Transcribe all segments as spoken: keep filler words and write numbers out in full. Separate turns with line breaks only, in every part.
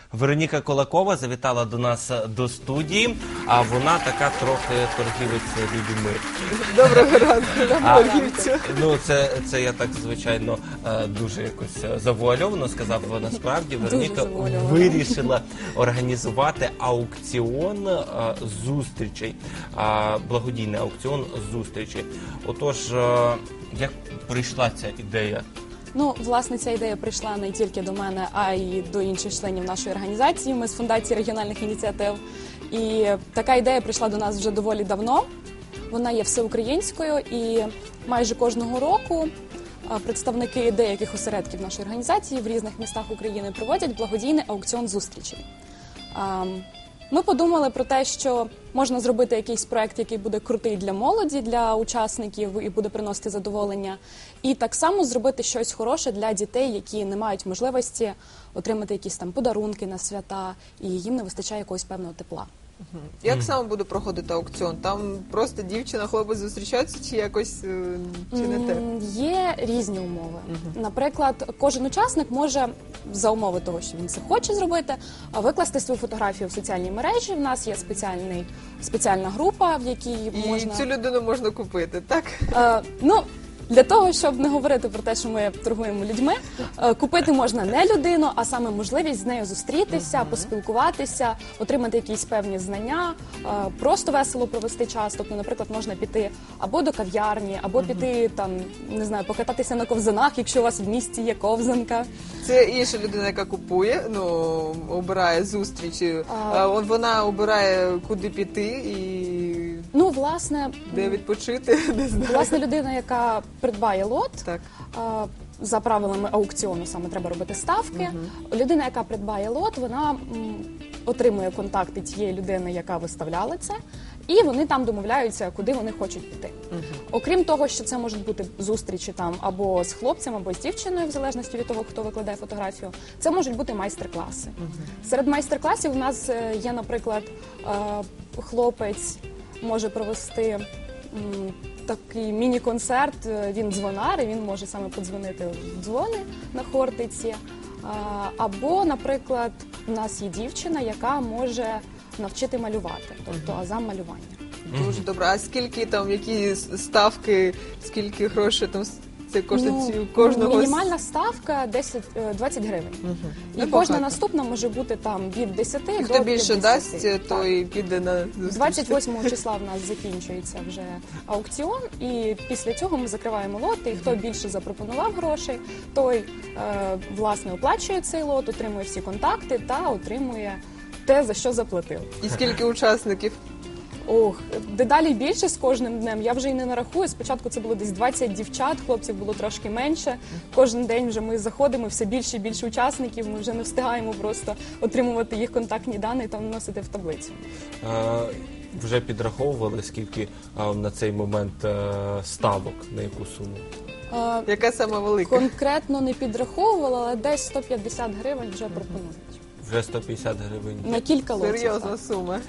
Вероніка Кулакова завітала до нас до студії, а вона така трохи торгівець людьми.
Доброго ранку, нам торгівцю.
Ну, це, це я так, звичайно, дуже якось завуальовано сказав. Насправді, Вероніка вирішила організувати аукціон зустрічей, благодійний аукціон зустрічей. Отож, як прийшла ця ідея?
Ну, власне, ця ідея прийшла не тільки до мене, а й до інших членів нашої організації. Ми з Фундації регіональних ініціатив. І така ідея прийшла до нас вже доволі давно. Вона є всеукраїнською і майже кожного року представники деяких осередків нашої організації в різних містах України проводять благодійний аукціон зустрічей. Ми подумали про те, що можна зробити якийсь проект, який буде крутий для молоді, для учасників і буде приносити задоволення. І так само зробити щось хороше для дітей, які не мають можливості отримати якісь там подарунки на свята, і їм не вистачає якогось певного тепла.
Як саме буде проходити аукціон? Там просто дівчина, хлопець зустрічаються чи якось, чи не те?
Є різні умови. Наприклад, кожен учасник може, за умови того, що він це хоче зробити, викласти свою фотографію в соціальній мережі. В нас є спеціальний, спеціальна група, в якій
І
можна...
цю людину можна купити, так?
Е, ну, для того, щоб не говорити про те, що ми торгуємо людьми, купити можна не людину, а саме можливість з нею зустрітися, поспілкуватися, отримати якісь певні знання, просто весело провести час. Тобто, наприклад, можна піти або до кав'ярні, або піти, там, не знаю, покататися на ковзанах, якщо у вас в місті є ковзанка.
Це інша людина, яка купує, ну, обирає зустрічі, а вона обирає, куди піти і...
Ну, власне,
де відпочити, не знаю.
Власне, людина, яка придбає лот,
так.
а, за правилами аукціону саме треба робити ставки. Угу. Людина, яка придбає лот, вона м, отримує контакти тієї людини, яка виставляла це, і вони там домовляються, куди вони хочуть піти. Угу. Окрім того, що це можуть бути зустрічі там або з хлопцем, або з дівчиною, в залежності від того, хто викладає фотографію, це можуть бути майстер-класи. Угу. Серед майстер-класів у нас є, наприклад, хлопець може провести м, такий міні-концерт, він дзвонар, і він може саме подзвонити в дзвони на Хортиці. Або, наприклад, у нас є дівчина, яка може навчити малювати, тобто азам малювання.
Дуже добре. А скільки там, які ставки, скільки грошей там це коштує ну, кожного?
Мінімальна ставка десять, двадцять гривень. Угу. І
Небагато.
Кожна наступна може бути там від десяти
і
до
хто більше дасть,
так.
то і піде на зустріч.
двадцять восьмого числа в нас закінчується вже аукціон, і після цього ми закриваємо лоти, і хто більше запропонував грошей, той, е, власне, оплачує цей лот, отримує всі контакти та отримує те, за що заплатив.
І скільки учасників?
Ох, дедалі більше з кожним днем. Я вже й не нарахую. Спочатку це було десь двадцять дівчат, хлопців було трошки менше. Кожен день вже ми заходимо, все більше і більше учасників. Ми вже не встигаємо просто отримувати їх контактні дані та вносити в таблицю.
А, вже підраховували, скільки а, на цей момент а, ставок, на яку суму?
А,
Яка сама велика?
Конкретно не підраховувала, але десь сто п'ятдесят гривень вже пропонують.
Вже сто п'ятдесят гривень.
На кілька лотів.
Серйозна так. сума.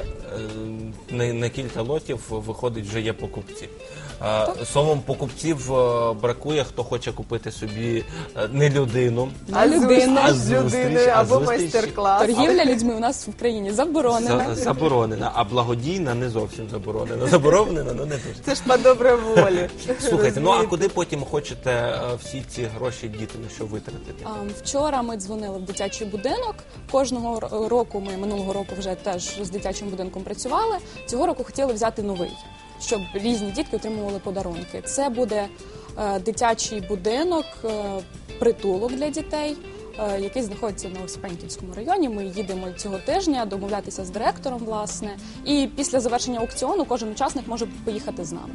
На, на кілька лотів виходить, вже є покупці. Словом, покупців бракує, хто хоче купити собі не людину,
а людину,
а зустріч, або майстер-клас.
Торгівля людьми у нас в країні заборонена.
Заборонена, а благодійна не зовсім заборонена. Заборонена, але не дуже.
Це ж по добрій волі.
Слухайте, ну а куди потім хочете всі ці гроші діти на що витратити?
Вчора ми дзвонили в дитячий будинок. Кожного року ми, минулого року вже теж з дитячим будинком працювали. Цього року хотіли взяти новий, щоб різні дітки отримували подарунки. Це буде е, дитячий будинок, е, притулок для дітей, е, який знаходиться на Осипеньківському районі. Ми їдемо цього тижня домовлятися з директором, власне. І після завершення аукціону кожен учасник може поїхати з нами.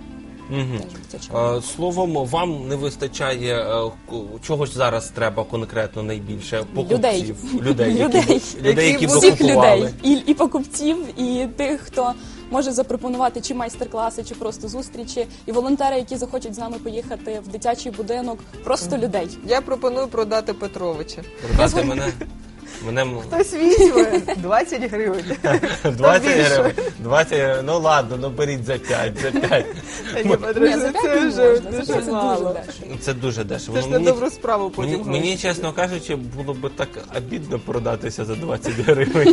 Угу. Словом, вам не вистачає, чогось зараз треба конкретно найбільше? Покупців.
Людей.
Людей,
людей.
Які, людей, які
всіх
викупували.
людей. І, і покупців, і тих, хто може запропонувати чи майстер-класи, чи просто зустрічі, і волонтери, які захочуть з нами поїхати в дитячий будинок, просто людей.
Я пропоную продати Петровича.
Продати мене? Мене м-
Хтось візьме двадцять гривень.
двадцять
більше.
гривень. двадцять гривень. Ну ладно, ну беріть за п'ять, за п'ять.
Та ні,
Ні,
подружка,
за п'ять
це
не
вже
можна, це
дуже
дуже
мало.
дешево.
Це дуже дешево.
Це ж
Ну,
на
мені-
добру справу потім.
Мені,
гроші.
мені, чесно кажучи, було б так обідно продатися за двадцять гривень.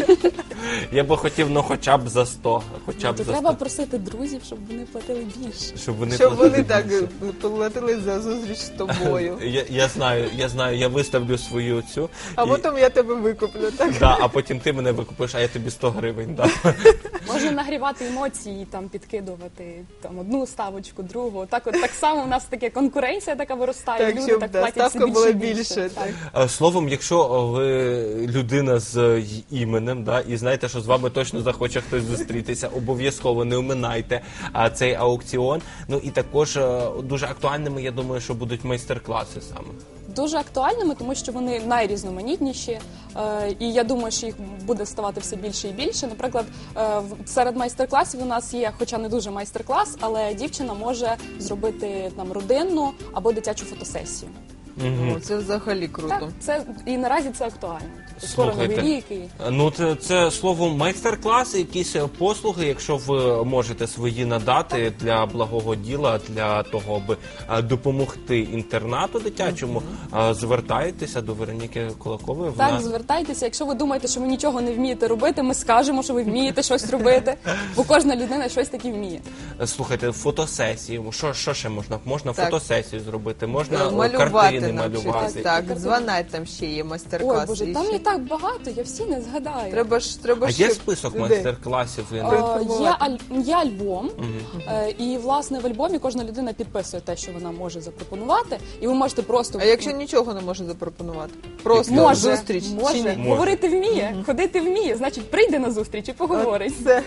Я би хотів, ну, хоча б за сто. Хоча
Ну,
б
то
за
треба
сто.
просити друзів, щоб вони платили більше.
Щоб вони,
Щоб
платили
вони так
більше.
платили за зустріч з тобою.
Я, я знаю, я знаю, я виставлю свою цю.
А
і-
потім я тебе викуплю, так?
Да, а потім ти мене викупиш, а я тобі сто гривень дам.
Можна нагрівати емоції, там підкидувати там одну ставочку, другу. Так, от так само у нас таке конкуренція така виростає.
Так,
люди
щоб,
так
да,
платять
ставка
все більше
була
і більше.
більше, так.
Е, Словом, якщо ви людина з іменем, да, і знаєте, що з вами точно захоче хтось зустрітися, обов'язково не оминайте а, цей аукціон. Ну і також е, дуже актуальними, я думаю, що будуть майстер-класи саме.
Дуже актуальними, тому що вони найрізноманітніші, е, і я думаю, що їх буде ставати все більше і більше. Наприклад, е, в- серед майстер-класів у нас є, хоча не дуже майстер-клас, але дівчина може зробити там родинну або дитячу фотосесію.
О, це взагалі круто.
Так, це і наразі це актуально. Тобто скоро новий
Слухайте,
рік і
Ну, це, це словом майстер-класи, якісь е, послуги, якщо ви можете свої надати для благого діла, для того, аби е, допомогти інтернату дитячому, е, звертайтеся до Вероніки Кулакової.
так,
Вона
звертайтеся. Якщо ви думаєте, що ви нічого не вмієте робити, ми скажемо, що ви вмієте щось робити, бо кожна людина щось таке вміє.
Е, слухайте, фотосесії. Що, що ще можна? Можна
Так.
фотосесію зробити, можна
Е,
е,
Малювати
картини
навчитись.
малювати.
Так,
Картини.
дзвонать там ще є
Ой,
майстер-класи.
Боже,
і
там
ще.
є так багато, я всі не згадаю.
Треба ж, треба
А
ще
є список
людей.
майстер-класів? Ви
Е,
не-
Є,
Інформувати.
аль- є альбом, е, і власне в альбомі кожна людина підписує те, що вона може запропонувати, і ви можете просто
А якщо нічого не може запропонувати? Просто
може,
зустріч? чи
може,
ні?
Може.
говорити вміє, ходити вміє, значить прийде на зустріч і поговорить.
Це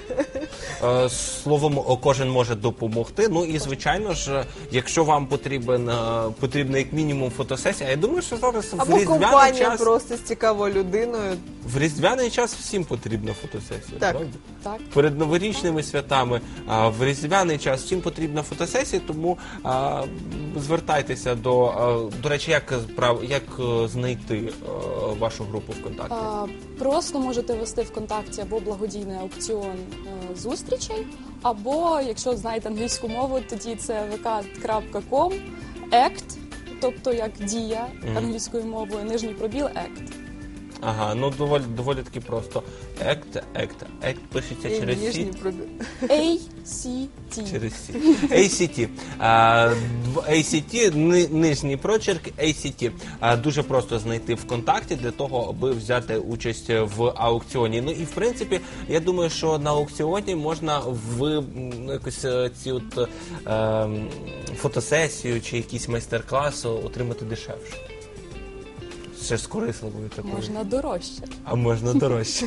Е, Словом, о, кожен може допомогти. Ну і звичайно ж, якщо вам потрібен е, потрібна як мінімум фотосесія, а я думаю, що зараз в
або
різдвяний
компанія
час
просто з цікавою людиною.
в різдвяний час всім потрібна фотосесія.
Так.
Правда?
Так.
Перед новорічними святами, а в різдвяний час всім потрібна фотосесія, тому а, звертайтеся до а, до речі, як прав як е, знайти а, вашу групу ВКонтакті?
А, Просто можете ввести ВКонтакті або благодійний аукціон е, зустрічей, або, якщо знаєте англійську мову, тоді це вк крапка ком ект, тобто як дія англійською мовою, нижній пробіл ект.
Ага, ну доволі доволі таки просто. Ект, ект, ект пишеться
І
через
ніжні
сі.
пробіг.
ей сі ті.
Через сі. ей сі ті. А, дв- ей сі ті, ни- нижній прочерк ей сі ті. А, дуже просто знайти ВКонтакті для того, аби взяти участь в аукціоні. Ну і в принципі, я думаю, що на аукціоні можна в м, якось е, ці от е, м, фотосесію чи якийсь майстер-клас отримати дешевше. Ще з корисливою такою.
Можна дорожче.
А можна дорожче.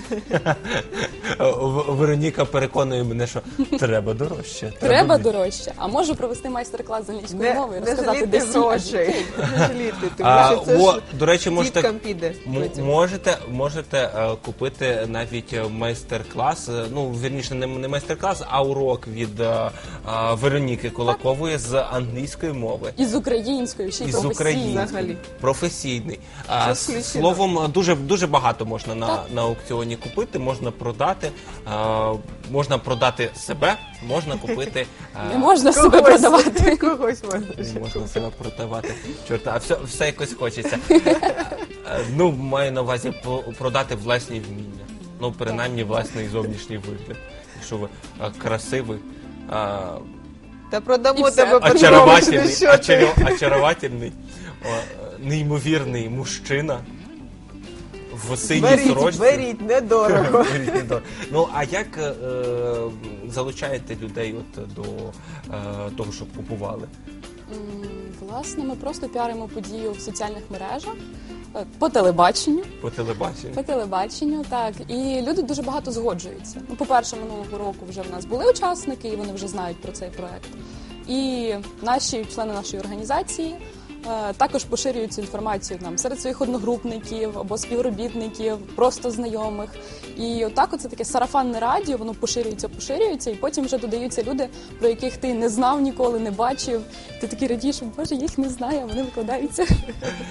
В- Вероніка переконує мене, що треба дорожче.
Треба
більше.
дорожче. А можу провести майстер-клас з англійської
Не,
мови і
не
розказати,
жаліти
де сі, а
грошей.
де кей.
Не жаліти, тому
А,
що це
о,
ж
до речі, можете,
діткам піде.
м-
потім.
можете, можете е, купити навіть е, майстер-клас, е, ну, вірніше, не, не майстер-клас, а урок від е, е, Вероніки Кулакової з англійської мови.
І з українською, ще й
І з
професійно.
української.
взагалі.
Професійний. А,
Це
с-
включено.
словом, дуже, дуже багато можна на,
Так.
на аукціоні купити, можна продати, а, можна продати себе, можна купити. а,
Не можна себе
Когось-
продавати.
Когось можна.
Не можна себе продавати. Чорта, а все, все якось хочеться. Е, Ну, маю на увазі по- продати власні вміння. Ну, принаймні, власний зовнішній вигляд. Якщо ви а, красивий, а,
Та продамо
І все.
тебе по
очаровательний,
що ти.
очаро- очаровательний, о, неймовірний мужчина в синій
Беріть,
сорочці.
беріть, недорого.
Беріть, недорого. Ну, а як е, залучаєте людей от до е, того, щоб купували?
М, Власне, ми просто піаримо подію в соціальних мережах, е, по телебаченню.
По телебаченню?
По телебаченню, так. І люди дуже багато згоджуються. Ну, по-перше, минулого року вже в нас були учасники, і вони вже знають про цей проект. І наші члени нашої організації е, також поширюють цю інформацію нам серед своїх одногрупників або співробітників, просто знайомих. І отак оце таке сарафанне радіо, воно поширюється, поширюється, і потім вже додаються люди, про яких ти не знав ніколи, не бачив. Ти такий радієш, що, боже, я їх не знаю, а вони викладаються.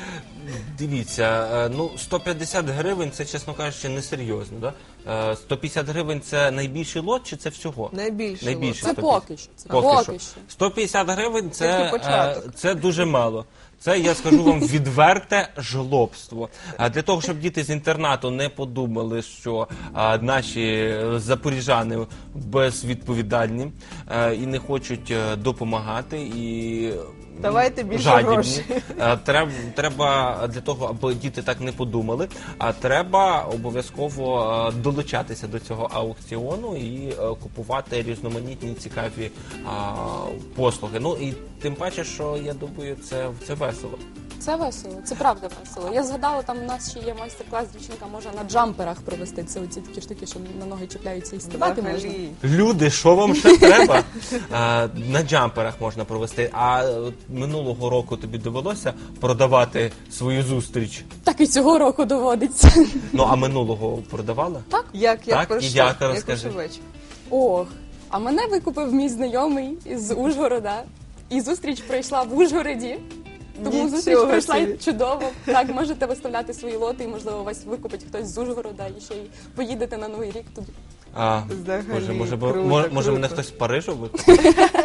Дивіться, е, ну сто п'ятдесят гривень це, чесно кажучи, несерйозно. Да? Е, сто п'ятдесят гривень це найбільший лот чи це всього?
Найбільше.
Найбільше.
Це
сто п'ятдесят.
поки що. Це
Поки,
поки
що.
що.
сто п'ятдесят гривень це,
Тільки початок.
е, це дуже мало. Це, я скажу вам, відверте жлобство. А для того, щоб діти з інтернату не подумали, що а, наші запоріжани безвідповідальні е, і не хочуть е, допомагати, і
Давайте більше
жадібні.
грошей.
Е, Треба, треба для того, аби діти так не подумали, а треба обов'язково е, долучатися до цього аукціону і е, купувати різноманітні цікаві а, послуги. Ну і тим паче, що я думаю, це, це весело.
Це весело, це правда весело. Я згадала, там у нас ще є майстер-клас, дівчинка може на джамперах провести. Це оці такі штуки, що на ноги чіпляються і стрибати можна.
Взагалі.
Люди, що вам ще треба? А, на джамперах можна провести. А от минулого року тобі довелося продавати свою зустріч?
Так і цього року доводиться.
Ну, а минулого продавала?
Так.
Як я
Так, і
пройшла?
як, розкажи.
Як
Ох, а мене викупив мій знайомий із Ужгорода. І зустріч пройшла в Ужгороді. Тому
Нічого
зустріч пройшла
собі.
чудово. Так, можете виставляти свої лоти, і, можливо, вас викупить хтось з Ужгорода, і ще й поїдете на Новий рік туди.
А,
Взагалі,
може, може, бо-
круто,
може, може
круто.
мене хтось з Парижу викупить?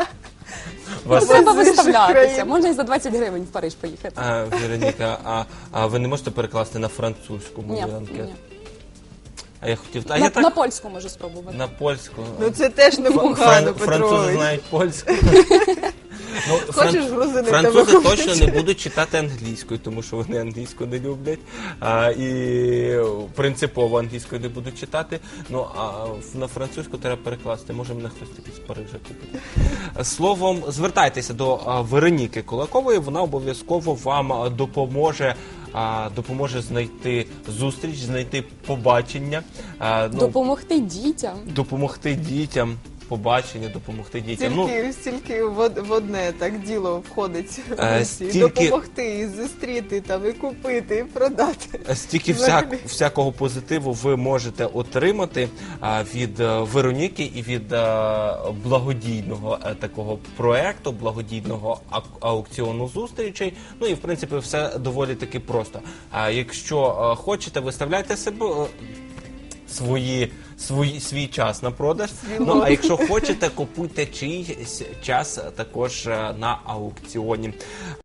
Вас,
Треба
з інших
виставлятися.
країн.
Можна і за двадцять гривень в Париж поїхати.
а, Вероніка, а, а ви не можете перекласти на французьку
Ні,
мою анкету?
ні.
А я хотів... А
На,
я так...
на польську можу спробувати.
На польську.
Ну це теж
Фра-
непогано,
Французи
Петрович.
знають польську. Ну,
Хочеш
фран-
грузини
Французи
тебе
точно
купити?
не будуть читати англійською, тому що вони англійську не люблять. А, і принципово англійською не будуть читати. Ну, а в- на французьку треба перекласти. Може, мене хтось такий з Парижа купить. Словом, звертайтеся до а, Вероніки Кулакової, вона обов'язково вам а, допоможе. А, допоможе знайти зустріч, знайти побачення, а, ну,
Допомогти дітям.
допомогти дітям, побачення, допомогти дітям. Ну,
Стільки, стільки в, од- в одне так діло входить.
Е,
І
стільки-
допомогти, і зустріти, там, і купити, і продати.
стільки
Взагалі.
всяк, всякого позитиву ви можете отримати а, від е, Вероніки і від е, благодійного е, такого проекту, благодійного ак- аукціону зустрічей. Ну і в принципі все доволі таки просто. А якщо е, хочете, виставляйте себе. е, Свої, свої, свій час на продаж. Ну, а якщо хочете, купуйте чийсь час також е, на аукціоні.